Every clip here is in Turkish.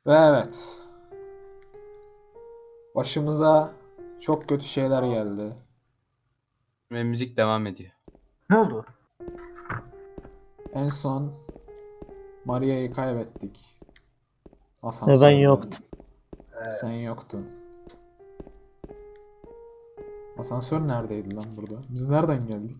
Ve evet, başımıza çok kötü şeyler geldi. Ve müzik devam ediyor. Ne oldu? En son Maria'yı kaybettik Ve ben asansörde. yoktum. Sen yoktun. Asansör neredeydi lan burada? Biz nereden geldik?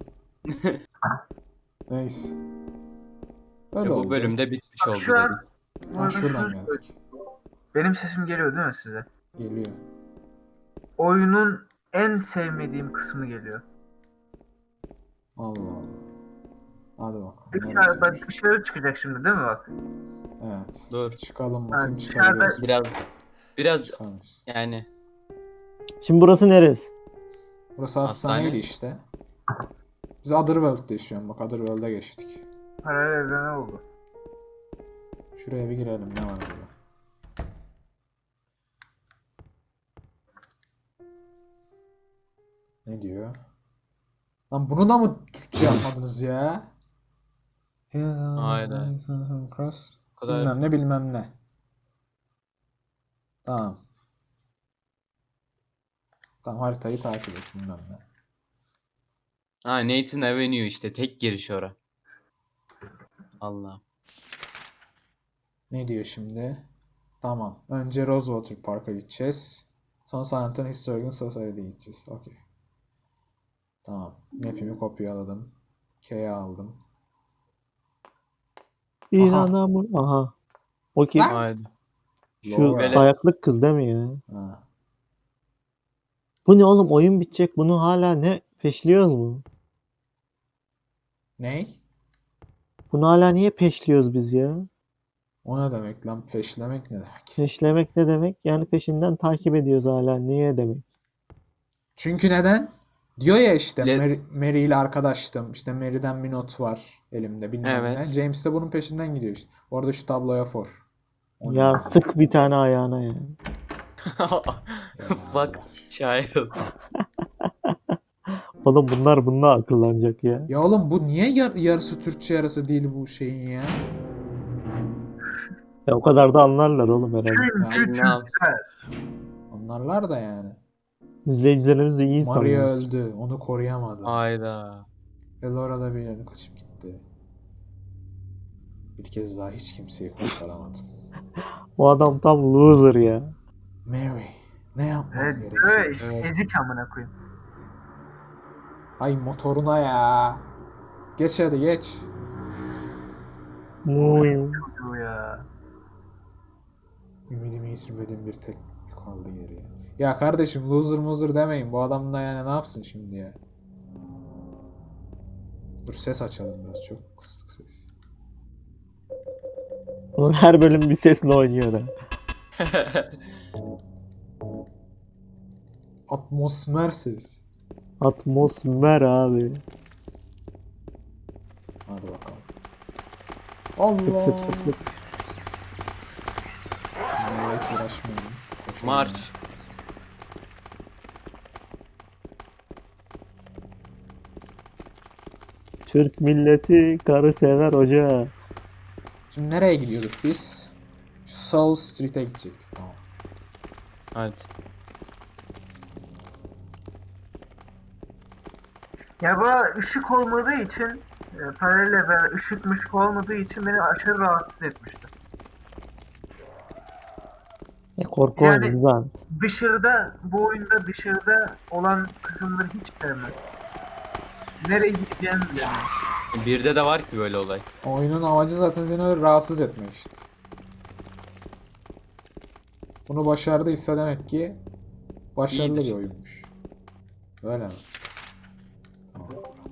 Neyse. Öyle Bu oldu. bölümde bitmiş oldu Şu an dedik. bu Ha, arada şuradan şunu geldik. benim sesim geliyor değil mi size? Geliyor. Oyunun en sevmediğim kısmı geliyor. Allah Allah. Hadi bakalım. Dışarı, bak Neresiymiş? dışarı çıkacak şimdi değil mi bak? Evet. Dur. Çıkalım bakayım, Ha, çıkabiliyoruz mu? Biraz Çıkamıyoruz. yani Şimdi burası neresi? Burası Hastane. hastaneydi işte. Biz Otherworld'da yaşıyoruz. Bak Otherworld'a geçtik. Paralel evrene oldu. Şuraya bir girelim. Ne var burada? Ne diyor? Lan bunu da mı Türkçe yapmadınız ya? Aynen. Cross. o kadar Bilmem ne bilmem ne. Tamam. Tamam, haritayı takip et bilmem ne. Nathan Avenue işte tek giriş ora. Allah. Ne diyor şimdi? Tamam. Önce Rosewater Park'a gideceğiz. Sonra San Antonio Historical Society'ye gideceğiz. Okey. Tamam. Map'imi kopyaladım. K'ye aldım. İnanamıyorum. Aha. O kim? Lan! Haydi. Şu Laura. ayaklık kız değil mi ya? Ha. Bu ne oğlum, oyun bitecek. Bunu hala ne peşliyoruz mu? Ney? Bunu hala niye peşliyoruz biz ya? O ne demek lan? Peşlemek ne demek? Peşlemek ne demek? Yani peşinden takip ediyoruz hala. Niye demek? Çünkü neden? Diyor ya işte Le- Mary ile arkadaştım. İşte Mary'den bir not var elimde bilmem ne. Evet. James de bunun peşinden gidiyor işte. Orada şu tabloya for. O Ya ne? sık bir tane ayağına ya. Fuck child. Oğlum bunlar bununla akıllanacak ya. Ya oğlum bu niye yarısı Türkçe yarısı değil bu şeyin ya? Ya o kadar da anlarlar oğlum herhalde. Çünkü Ne yap- Onlarlar da yani. İzleyicilerimiz de iyi Maria insanlar. öldü. Onu koruyamadı. Hayda. Ve Laura da bir yerine kaçıp gitti. Bir kez daha hiç kimseyi kurtaramadım. O adam tam loser ya. Mary, ne yapmam Evet, gerekiyor? işte Evet. ezik amına koyayım. Ay motoruna ya. Geç hadi geç. Muyum. Çocuğu ya. Ümidimi yitirmedim bir tek kaldı geriye. Ya kardeşim loser demeyin. Bu adam da yani ne yapsın şimdi ya? Dur ses açalım biraz. Çok kısık ses. Bunun her bölüm bir sesle oynuyor ha. Atmosfersiz. Atmosfer abi. Hadi bakalım. Fıt Allah. fıt fıt fıt. Bunlarla hiç uğraşmayalım. Koşalım. March. Türk milleti karı sever hoca. Şimdi nereye gidiyorduk biz? South Street'e gidecektik. Tamam. Hadi. Ya bu ışık olmadığı için paralel evren ışık olmadığı için beni aşırı rahatsız etmişti. Korku Yani- oyunu güzel. Dışarıda, bu oyunda dışarıda olan kısımları hiç sevmem. Nereye gideceğimi bilemiyorum. Birde de var ki böyle olay. Oyunun amacı zaten seni öyle rahatsız etmek işte. Bunu başardıysa demek ki başarılı İyidir. bir oyunmuş. Öyle mi? Tamam.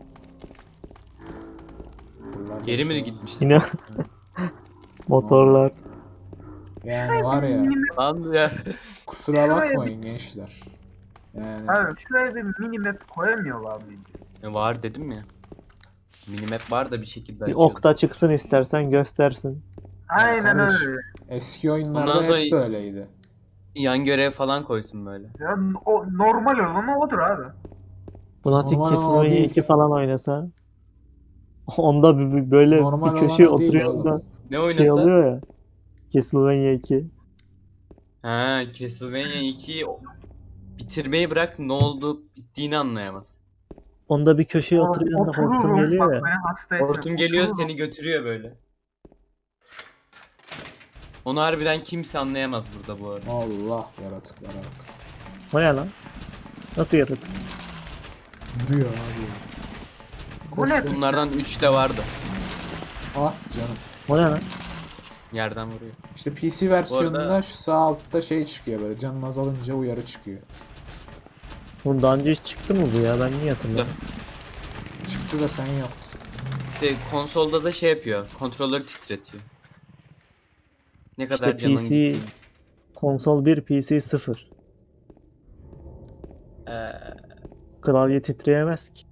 Buralarda Geri bir mi şey var. gitmişti? Yine motorlar. Yani var ya, Lan ya. kusura Şuraya bakmayın gençler. Yani Abi şuraya bir minimap koyamıyorlar mıydı? Var dedim ya. Minimap var da bir şekilde Bir açıyordum. okta çıksın istersen göstersin. Aynen kardeş, öyle. eski oyunlarda Ondan sonra- hep böyleydi. Yan görev falan koysun böyle. Ya, o normal olanı odur abi. Lunatic Normal olan o Castlevania değil. 2 falan oynasa. Onda böyle Normal bir köşeye olan o değil oturuyor oğlum. da Ne şey oynasa? oluyor ya. Castlevania 2. Ha, Castlevania 2'yi bitirmeyi bırak, ne oldu bittiğini anlayamaz. Onda bir köşeye oturuyorsun da hortum Otururum. geliyor Bak ya. beni hasta etme. Hortum geliyor, Otururum. seni götürüyor böyle. Onu harbiden kimse anlayamaz burada bu arada. Allah, yaratıklara bak. O ne lan? Nasıl yaratık? Duruyor abi. Bu ne? Bunlardan 3 de vardı. Ah canım. O ne lan? Yerden vuruyor. İşte PC versiyonunda arada- şu sağ altta şey çıkıyor böyle. Canın azalınca uyarı çıkıyor. Bunun daha önce hiç çıktı mı bu ya? Ben niye hatırlamıyorum? Çıktı da sen yoktun. İşte konsolda da şey yapıyor. Kontrolleri titretiyor. Ne İşte kadar canın PC gitti. konsol 1, PC 0. Ee, Klavye titreyemez ki.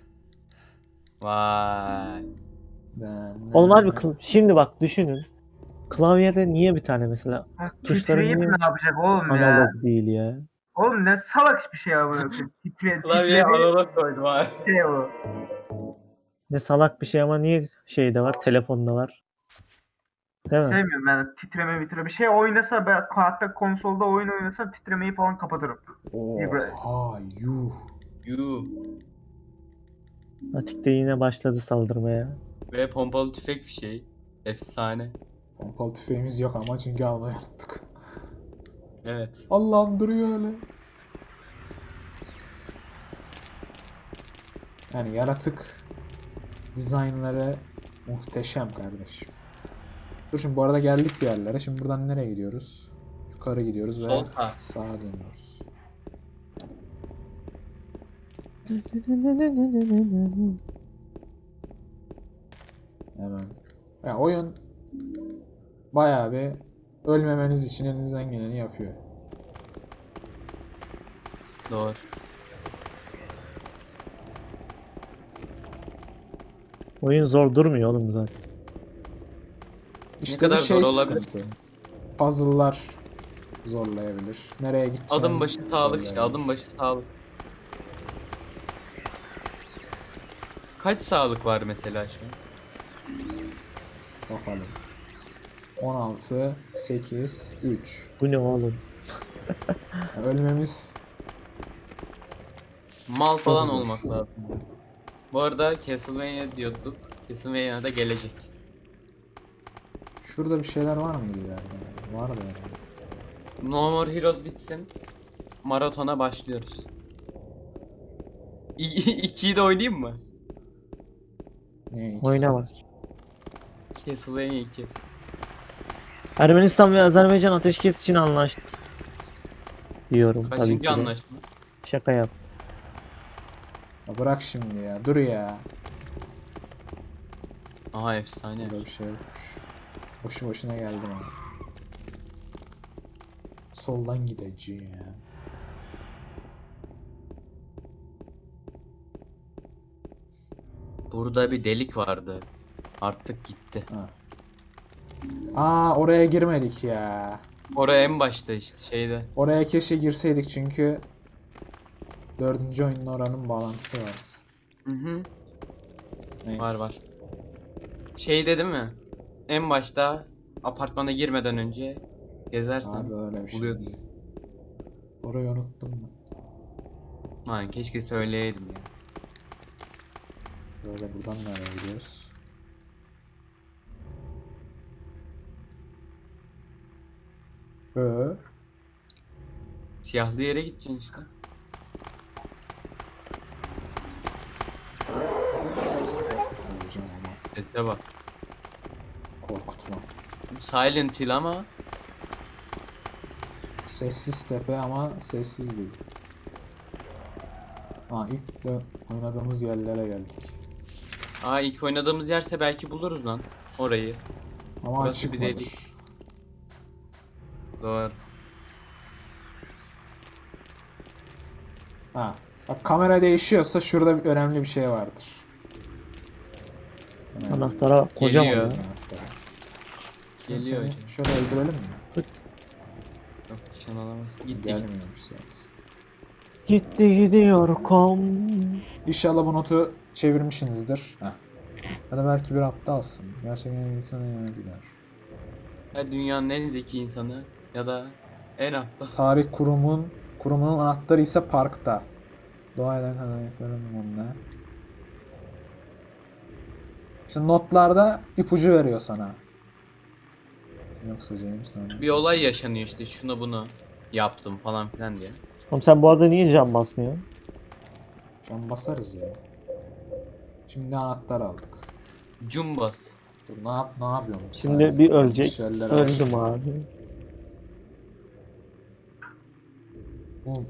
vay. Oğlum harbi şimdi bak düşünün. Klavyede niye bir tane mesela Ha, tuşları titreyip niye ne yapacak oğlum ya? analog değil ya? Oğlum ne salak bir şey ya bu. Klavyeye Titredi analog koydum abi. şey o. Ne salak bir şey ama niye şeyde var, telefonda var. Değil mi? Sevmiyorum ben titreme. Bir şey oynasa ben hatta konsolda oyun oynasam titremeyi falan kapatırım. Oha yuh. Yuh. Atik de yine başladı saldırmaya. Ve pompalı tüfek fişeği. Efsane. Pompalı tüfeğimiz yok ama çünkü almayı unuttuk. Evet. Allah'ım duruyor öyle. Yani yaratık dizaynları muhteşem kardeşim. Dur şimdi bu arada geldik bir yerlere. Şimdi buradan nereye gidiyoruz? Yukarı gidiyoruz ve Sol sağ. sağa dönüyoruz. Hemen. Ya oyun bayağı bir ölmemeniz için elinizden geleni yapıyor. Doğru. Oyun zor durmuyor oğlum zaten. İşte kadar bir şey zor olabilir? sıkıntı. Puzzle'lar zorlayabilir. Nereye gideceğini Adım başı sağlık işte. zorlayabilir. Adım başı sağlık. Kaç sağlık var mesela şu an? Bakalım. 16, 8, 3. Bu ne oğlum? Yani ölmemiz Mal falan zor. olmak lazım. Bu arada Castlevania diyorduk. Castlevania da gelecek. şurada bir şeyler var mı ileride? Var da herhalde. No More Heroes bitsin. Maratona başlıyoruz. 2'yi de oynayayım mı? Ne ikisi? Oyna bak. Castlevania 2. Ermenistan ve Azerbaycan ateşkes için anlaştı. Diyorum tabii ki Kaçıncı de. anlaşma? Şaka yap. Ya bırak şimdi ya. Dur ya. Aha efsane. Burada bir şey yokmuş. Boşu boşuna geldim ama. Soldan gideceğim. Burada bir delik vardı. Artık gitti. Ha. Aa, oraya girmedik ya. Oraya en başta işte şeyde. Oraya keşke girseydik çünkü 4. oyunun oranın bağlantısı vardı. Hı hı. Neyse. Var. Şeyde değil mi? En başta apartmana girmeden önce gezersen Abi öyle bir şey. buluyordun. Orayı unuttum mu? Aynen, keşke söyleyeydim ya. Böyle buradan nereye gidiyoruz? Ee, Siyahlı yere gideceksin işte. Hocam ama Sese bak. korkutma. Silent Hill ama Sessiz tepe ama sessiz değil. Ha, ilk de oynadığımız yerlere geldik. ilk oynadığımız yerse belki buluruz lan orayı. Ama Burası açık bir mıdır? delik. Doğru. Ha, bak kamera değişiyorsa şurada önemli bir şey vardır. Önemli. Anahtara bak, kocaman Geliyor. ya. Anahtar. Şimdi Geliyor seni hocam. şöyle öldürelim mi? Fıt. Yok, nişan alamaz. Gitti. Gelmiyormuş zaten. Gitti gidiyor kom. İnşallah bu notu çevirmişsinizdir. Heh. Ya da belki bir aptalsın. Gerçekten insanın yanına gider. Ya dünyanın en zeki insanı ya da En altta. Tarih kurumunun anahtarı ise parkta. Doğayla kaynakların ne? İşte notlarda ipucu veriyor sana. Yoksa James Bond. Bir olay yaşanıyor işte, şunu bunu yaptım falan filan diye. Oğlum sen bu arada niye cam basmıyorsun? Can basarız ya. Şimdi anahtar aldık. Cumbas. Dur ne yapıyorum? Bir Şimdi saniye. bir Yanlış ölecek. yerlere Öldüm başladım. abi. Bu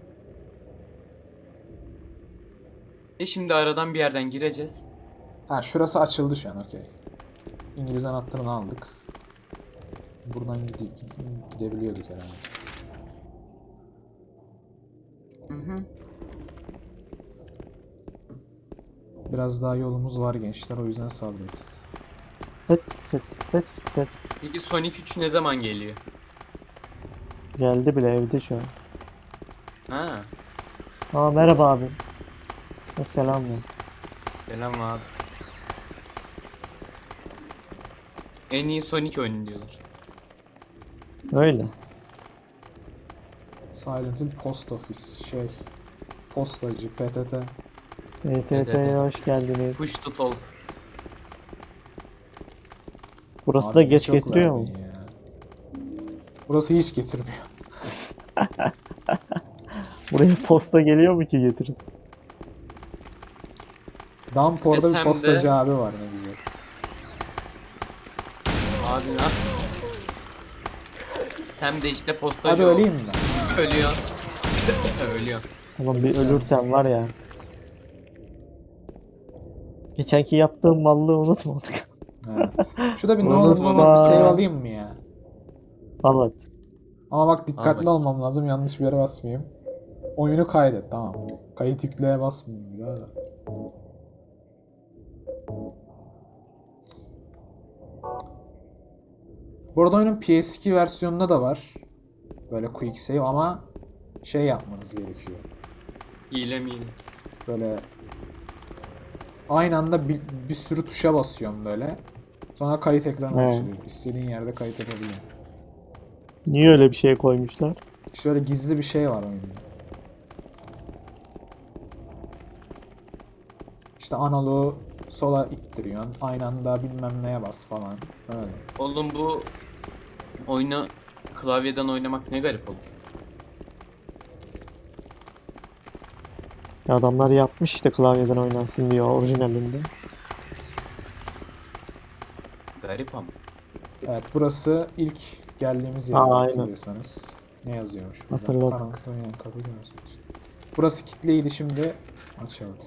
Şimdi aradan bir yerden gireceğiz. Ha şurası açıldı şu an, okey. İngiliz anahtarını aldık. Buradan gidebiliyorduk herhalde. Hı hı. Biraz daha yolumuz var gençler, o yüzden sabredin. Fıt fıt fıt fıt. Peki Sonic 3 ne zaman geliyor? Geldi bile evde şu an. Ha, Aa merhaba abi. Yok selam ya. selam abi. En iyi Sonic oyunu diyorlar. Öyle. Silent Hill Post Office postacı PTT. ETT'ye hoş geldiniz. Push to talk. Burası Abi da ne geç çok getiriyor mu? verdin ya. Burası hiç getirmiyor. Buraya posta geliyor mu ki getiririz? Dampor'da bir Desem postacı de- abi var, ne güzel. Abi ne yap- Sen de işte postacı Hadi ol. öleyim ben. Ölüyor. Ölüyor. Oğlum bir ölürsen var ya. Geçenki yaptığım mallığı unutmadık. Evet. Şurada bir ne olur ne olmaz bir Unutma. save alayım mı ya? Evet. Ama bak dikkatli Abi. olmam lazım, yanlış bir yere basmayayım. Oyunu kaydet, tamam. Kayıt yükleye basmayayım bir daha da. Bu arada oyunun PS2 versiyonunda da var. Böyle quick save ama şey yapmanız gerekiyor. Hile miydi? Böyle aynı anda bir sürü tuşa basıyorum böyle. Sonra kayıt ekranı He. açılıyor. İstediğin yerde kayıt yapabiliyorsun. Niye öyle bir şey koymuşlar? Şöyle gizli bir şey var oyunda. İşte analogu sola ittiriyorsun. Aynı anda bilmem neye bas falan. Öyle. Oğlum bu oyunu klavyeden oynamak ne garip olur. Ya adamlar yapmış işte klavyeden oynansın diye orijinalinde. Garip ama. Evet, burası ilk geldiğimiz yer, Aa, aynen. hatırlıyorsanız. Ne yazıyormuş burada? Hatırladık. Karanlık oynayan kapı görüyorsunuz. Burası kilitliydi, şimdi açıldı.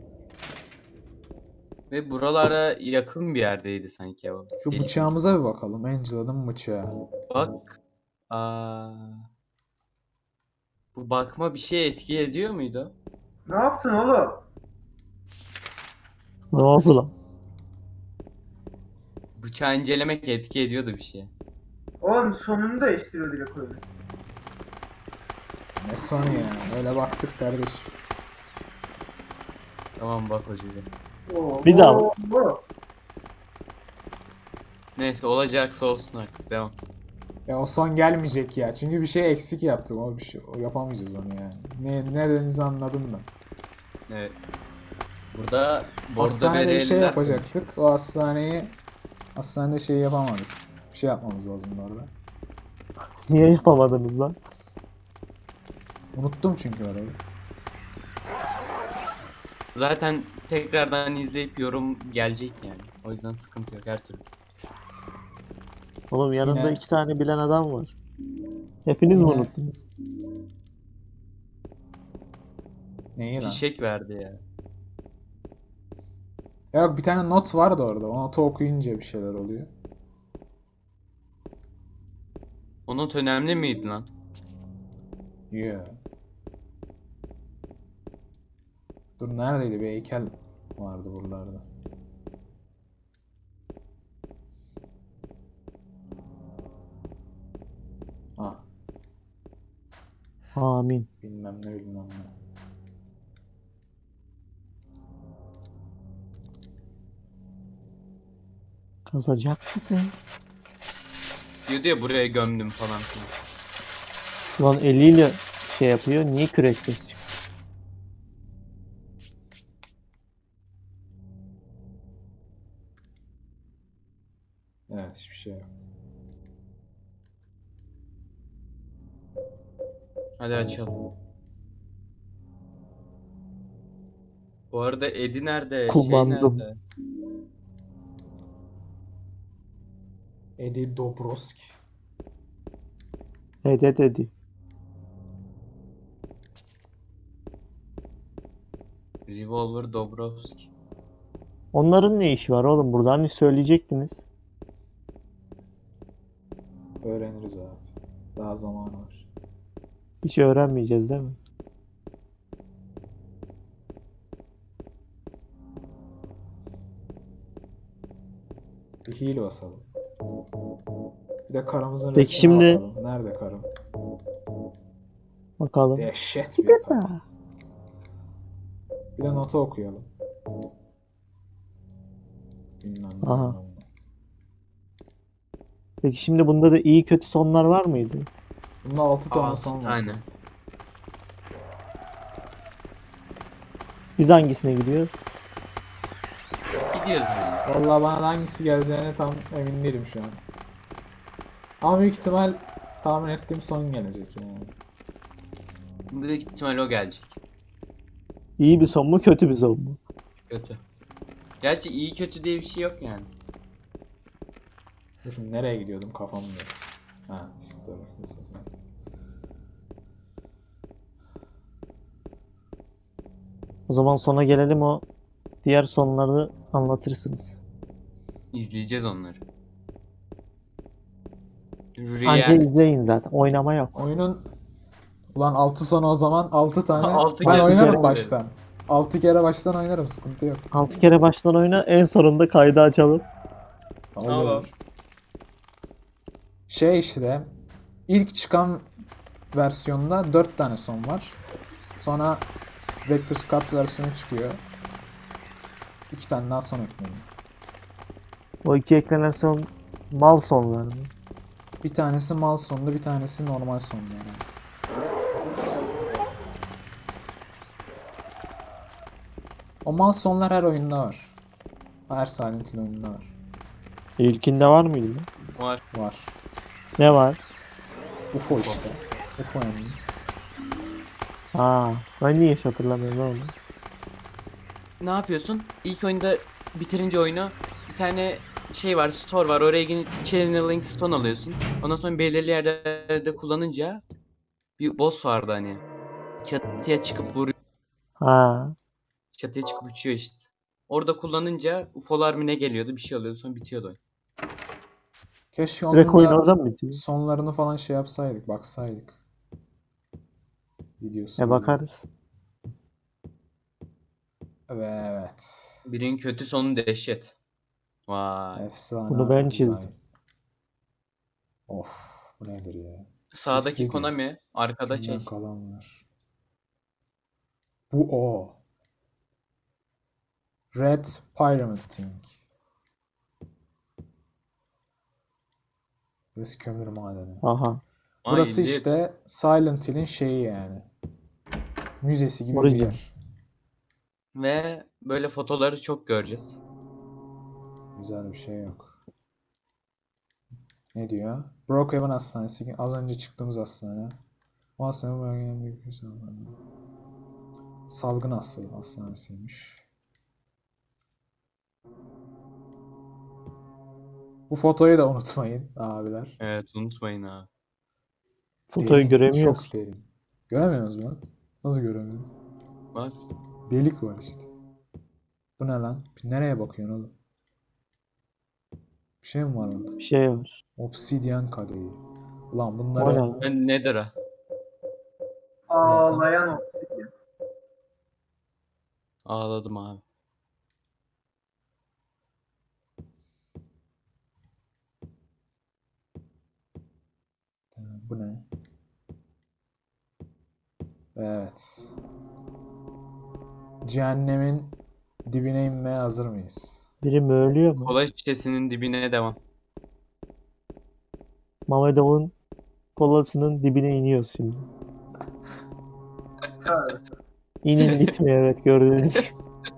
Ve buralara yakın bir yerdeydi sanki o. Şu Delik mi? bıçağımıza bir bakalım. Angela'nın bıçağı. Bak. Bu bakma bir şeye etki ediyor muydu? Ne yaptın oğlum? Ne oldu lan? Bıçağı incelemek etki ediyordu bir şeye. Oğlum sonunu değiştiriyor direkt oyunu. Ne sonu ya? Öyle baktık kardeş. Tamam bak hocam. Oo, Bir daha. oo. Neyse olacaksa olsun artık. Devam. Ya o son gelmeyecek ya. Çünkü bir şey eksik yaptık. O bir şey, o yapamayacağız onu yani. Ne dediğinizi anladım ben. Evet. Burada bordo Hastanede bir şey bereliler yapacaktık. O hastanede şey yapamadık. Bir şey yapmamız lazım orada. Niye yapamadınız lan? Unuttum çünkü orayı. Zaten tekrardan izleyip yorum gelecek yani. O yüzden sıkıntı yok her türlü. Oğlum yanında Yine- 2 tane bilen adam var. Hepiniz mi Yine- unuttunuz? Neyi lan? Fişek verdi ya. Ya yok, bir tane not vardı orada. O notu okuyunca bir şeyler oluyor. O not önemli miydi lan? Yeah. Dur neredeydi? Bir heykel vardı buralarda. Ah, Amin. bilmem ne. Kazacak mısın? Diyordu ya buraya gömdüm falan filan. Ulan eliyle şey yapıyor. Niye kürek sesi çıkıyor? Evet, hiçbir şey yok. Hadi açalım. Bu arada Eddie nerede? Şey Kullandım. nerede? Eddie Dobroski. Dede dedi. Revolver Dobrovski. Onların ne işi var oğlum burada? Hani söyleyecektiniz. Öğreniriz abi. Daha zamanı var. Hiç öğrenmeyeceğiz değil mi? Bir heal basalım. Bir de karımızın Peki resmine şimdi- bakalım. Nerede karım? Bakalım. Dehşet bir karı. Bir de notu okuyalım. Bilmem ne. Aha. bilmem ne. Peki şimdi bunda da iyi kötü sonlar var mıydı? Bunda 6 tane 6 son var. tane. Biz hangisine gidiyoruz? Gidiyoruz yani. Vallahi bana hangisi geleceğine tam emin değilim şu an. Ama büyük ihtimal tahmin ettiğim son gelecek yani. Büyük ihtimal o gelecek. İyi bir son mu kötü bir son mu? Kötü. Gerçi iyi kötü diye bir şey yok yani. Dur şimdi nereye gidiyordum kafamda. Ha, story. O zaman sona gelelim, o diğer sonları anlatırsınız. İzleyeceğiz onları. Anca Reality. izleyin zaten. Oynama yok. Oyunun ulan 6 sonu o zaman 6 tane. Altı Ben kez oynarım görelim. baştan. 6 kere baştan oynarım, sıkıntı yok. 6 kere baştan oyna, en sonunda kaydı açalım. Tamam. Olur. Şey işte ilk çıkan versiyonda 4 tane son var. Sonra Director's Cut versiyonu çıkıyor. 2 tane daha son ekleniyor. O iki eklenen son mal sonlar mı? Bir tanesi mal sonlu, bir tanesi normal sonlu yani. O mal sonlar her oyunda var. Her Silent Hill oyununda var. İlkinde var mıydı? Var. Var. Ne var? UFO işte. UFO yani. Ha, ben niye hiç hatırlamıyorum oğlum. Ne yapıyorsun? İlk oyunda bitirince oyunu bir tane şey var, store var. Oraya gidip channeling stone alıyorsun. Ondan sonra belirli yerlerde kullanınca bir boss vardı hani. Çatıya çıkıp vuruyor. Ha, Çatıya çıkıp uçuyor işte. Orada kullanınca UFO'lar mı ne geliyordu, bir şey oluyordu, sonra bitiyordu oyun. Keşke direkt onun oyun da oradan mı bitiyor? sonlarını falan şey yapsaydık, baksaydık. Videosu. Bakarız. Evet. Birinin kötü sonu dehşet. Vay. Efsane Bunu ben art design. çizdim. Of, bu nedir ya? Sağdaki Sisli diyor. Konami, arkada Kimden şey. kalan var? Bu o. Red Pyramid Thing. Burası kömür madeni. Aha. Burası Ay, işte Silent Hill'in şeyi yani. Müzesi gibi bir Origin. yer. Ve böyle fotoları çok göreceğiz. Güzel bir şey yok. Ne diyor? Brookhaven Hastanesi. Az önce çıktığımız hastane. Bu hastane bölgenin büyük bir salgın hastanesiymiş. Bu fotoyu da unutmayın abiler. Evet, unutmayın ha. Fotoyu Derin, göremiyoruz. çok derin. Göremiyoruz mu lan? Nasıl göremiyoruz? Bak. Delik var işte. Bu ne lan? Nereye bakıyorsun oğlum? Bir şey mi var orada? Bir şey var. Obsidyen kadehi. Ulan O ne bunları lan? Ben Nether'a. Ağlayan obsidyen. Ağladım abi. Bu ne? Evet. Cehennemin dibine inmeye hazır mıyız? Biri mi ölüyor mu? Kola şişesinin dibine devam. Mamedov'un kolasının dibine iniyoruz şimdi. Tabii. İnin gitmiyor, evet, gördüğünüz gibi.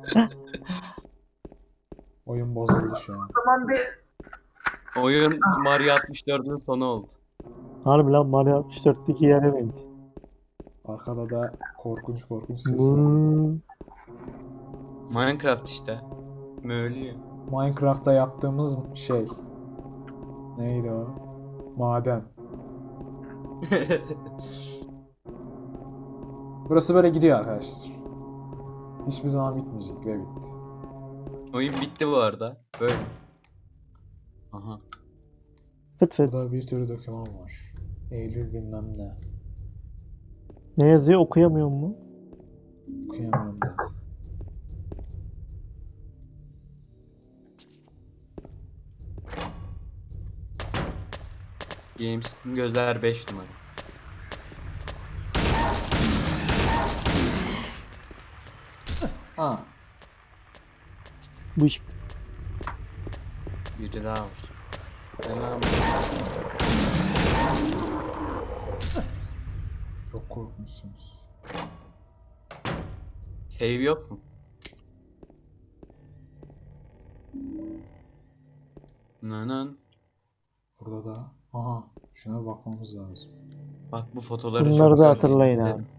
Oyun bozuldu şu an. O zaman bir Oyun Mario 64'ün sonu oldu. Harbi lan, Mario 64'teki yere benziyor. Arkada da korkunç korkunç sesler geliyor. Vuu. Minecraft işte. Möğlüyor. Minecraft'ta yaptığımız şey. Neydi o? Maden. Burası böyle gidiyor arkadaşlar. Hiçbir zaman bitmeyecek ve bitti. Oyun bitti bu arada. Böyle. Aha. Fıt fıt. Burada bir sürü doküman var. Eylül bilmem ne. Ne yazıyor, okuyamıyor mu? Okuyamıyorum da. Games gözler 5 numara. Ha, Bu iş. Biri daha var. Selam. çok korkmuşsunuz. Save yok mu? Nanan. Burada da. Aha, şuna bir bakmamız lazım. Bak bu fotoları Bunları çok da görmeyi hatırlayın isterim. abi.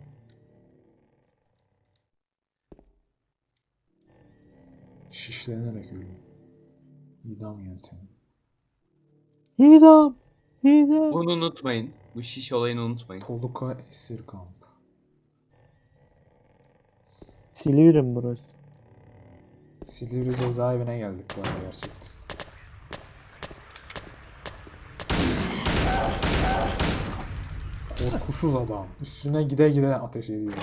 Şişlenerek ölüm. İdam yöntemi. İdam. İdam. Bunu unutmayın. Bu şiş olayını unutmayın. Toluka esir kamp. Silivri mi burası? Silivri cezaevine geldik bu arada gerçekten. Korkusuz adam. Üstüne gide gide ateş ediyor.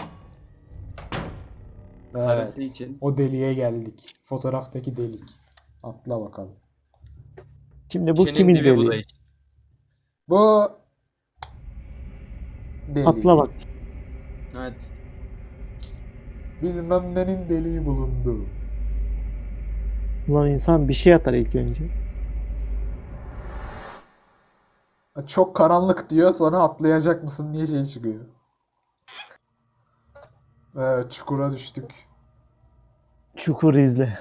Karısı Evet. için. O deliğe geldik. Fotoğraftaki delik. Atla bakalım. Şimdi bu Şişenin kimin dibi bu da deliği? işte. Bu deliği. Atla bak. Hadi. Bilmem nenin deliği bulundu. Ulan insan bir şey atar ilk önce. Çok karanlık diyor, sonra atlayacak mısın diye şey çıkıyor. Evet, çukura düştük. Çukur izle.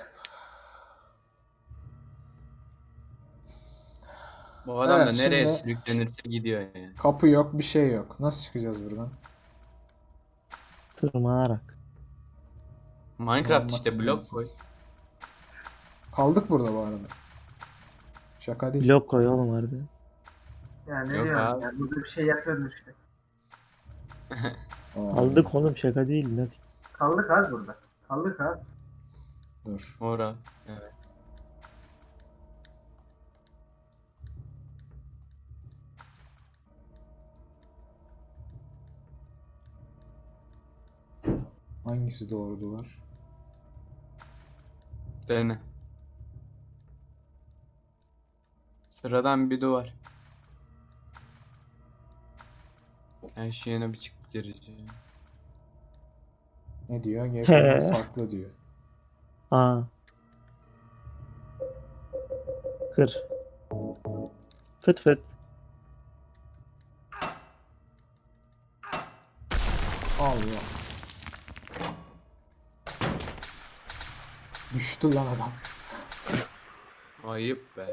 Bu adam da Evet, nereye şimdi- sürüklenirse gidiyor yani. Kapı yok, bir şey yok. Nasıl çıkacağız buradan? Tırmanarak. Minecraft işte Tırmanmak blok koy. imkansız. Kaldık burada bu arada. Şaka değil. Blok koy oğlum harbi. ya ne Yok diyorum abi. ya, burada bir şey yapıyordun işte. Aa, Aldık oğlum, şaka değil. Ne? Kaldık abi burada. Kaldık abi. Dur. Ora. Evet. Hangisi doğru duvar? Dene. Sıradan bir duvar. Her şeyine bir çıkıp gireceğim. Ne diyor? G farklı diyor. Aa. Kır. Fıt fıt. Allah. Düştü lan adam. Ayıp be.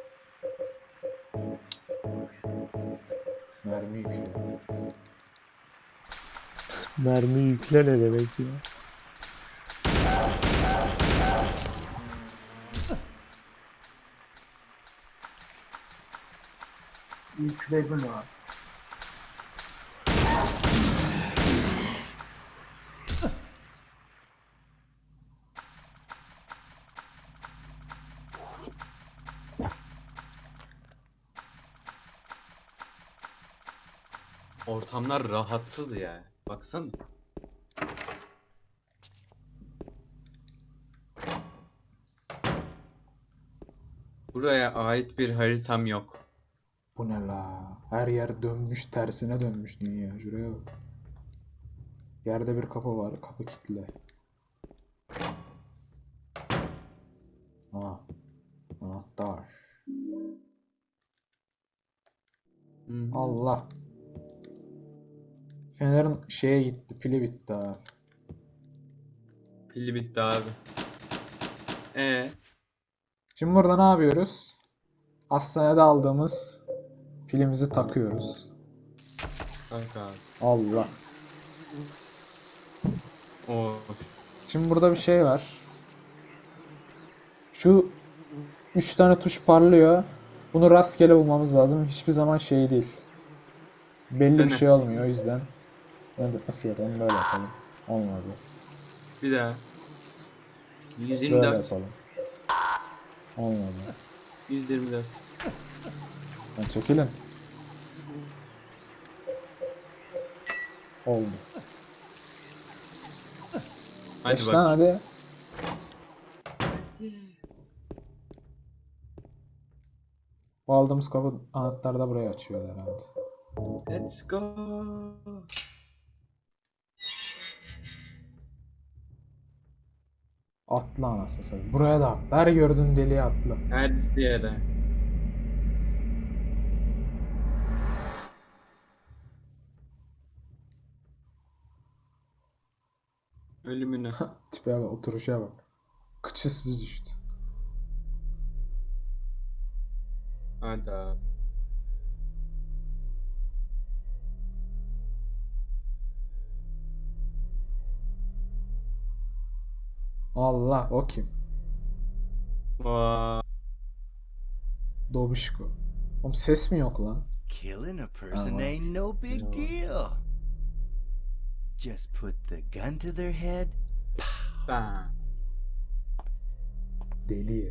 Mermi yüklü. Mermi yükle ne demek ya? Yükledim abi. Ortamlar rahatsız ya. Baksana. Buraya ait bir haritam yok. Bu ne la? Her yer dönmüş, tersine dönmüş dünya. Şuraya bak. Yerde bir kapı var. Kapı kilitli. Aa. Anahtar. Hı. Allah. Fener'in şeye gitti. Pili bitti abi. Pili bitti abi. Şimdi burada ne yapıyoruz? Hastanede aldığımız pilimizi takıyoruz. Kanka abi. Allah. Oo. Şimdi burada bir şey var. Şu 3 tane tuş parlıyor. Bunu rastgele bulmamız lazım. Hiçbir zaman şey değil. Belli bir Dene. şey olmuyor o yüzden. Nasıl yapalım? Böyle yapalım. Olmadı. Bir daha. Böyle 124. yapalım. Olmadı. 124. Lan çekilin. Oldu. Hadi Geç bak. lan hadi. Bu aldığımız kapı anahtar da burayı açıyor herhalde. Let's go. Atla anasını satayım. Buraya da atla. Her gördüğün deliğe atla. Her yere. Ölümüne. Tipe bak, oturuşa bak. Kıçısı düştü. Hadi abi. Allah o kim? Vay. Dobişko. Oğlum ses mi yok lan? Killing a person wow. ain't no big No. deal. Just put the gun to their head. Bam. Deli.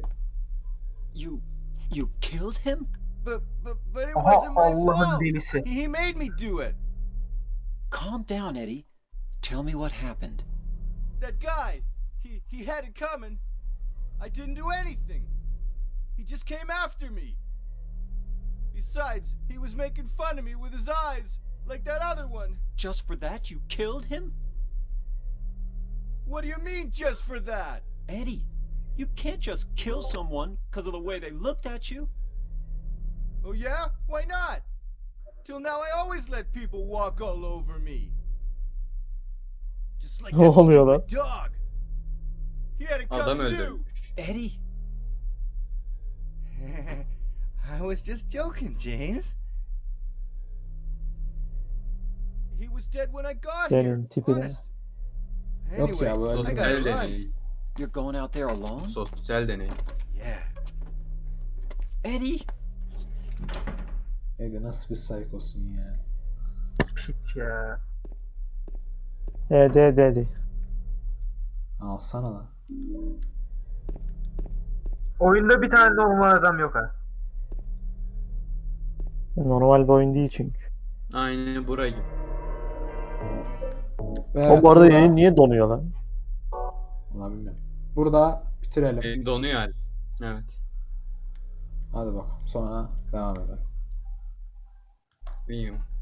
You killed him? But it Aha wasn't my Allah'ın fault. delisi. He made me do it. Calm down, Eddie. Tell me what happened. That guy, he had it coming. I didn't do anything. He just came after me. Besides, he was making fun of me with his eyes, like that other one. Just for that, you killed him? What do you mean, just for that? Eddie, you can't just kill someone because of the way they looked at you. Oh yeah? Why not? Till now I always let people walk all over me. Just like Ne that oluyor lan? stupid dog. He had it Adam coming too. öldürmüş. Eddie, I was just joking, James. He was dead when I got here. Senin tipine. Honest. Yok ya, bu Anyway, I öyle gotta Sosyal run. deney. you're going out there alone? Sosyal deney. Yeah. Eddie, Neydi, nasıl bir psikosun ya? Piç ya. Dedi. Alsana lan. Oyunda bir tane normal adam yok ha. Normal bir oyun değil çünkü. Aynı burayı. Ve O bu arada burada- yayın niye donuyor lan? Vallahi bilmiyorum. Burada bitirelim. Donuyor hali. Evet. Hadi bakalım. Sonra devam edelim. Bilmiyorum.